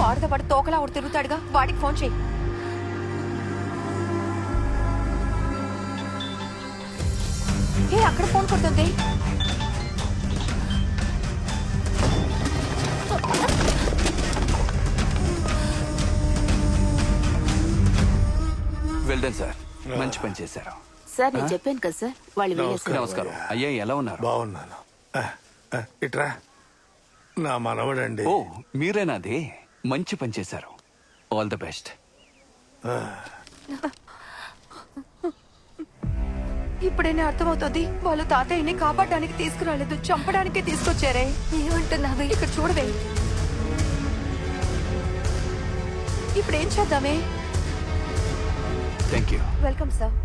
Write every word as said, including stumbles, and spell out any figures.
వాడితో పాటు తోకలా ఒకటి తిరుగుతాడుగా, వాడికి ఫోన్ చేయి. ఏ అక్కడ ఫోన్ కొడుతుంది. వెల్డన్ సార్, మంచి పని చేశారు. సార్ నేను చెప్పాను కదా సార్, వాళ్ళు వెళ్ళేసారు. నమస్కారం అయ్యా, ఎలా ఉన్నారు? బాగున్నాను. ఆ, ఆ, ఇట్రా నా మనవడండి. ఓ మీరేనాది, మంచి పని చేశారు. All the best. ఇప్పుడైనా అర్థమవుతుంది, వాళ్ళు తాతయ్యని కాపాడడానికి తీసుకురాలేదు, చంపడానికే తీసుకొచ్చారే. ఏమంటున్నావే? ఇక్కడ చూడవే. ఇప్పుడు ఏం చేద్దామే? Thank you. Welcome sir.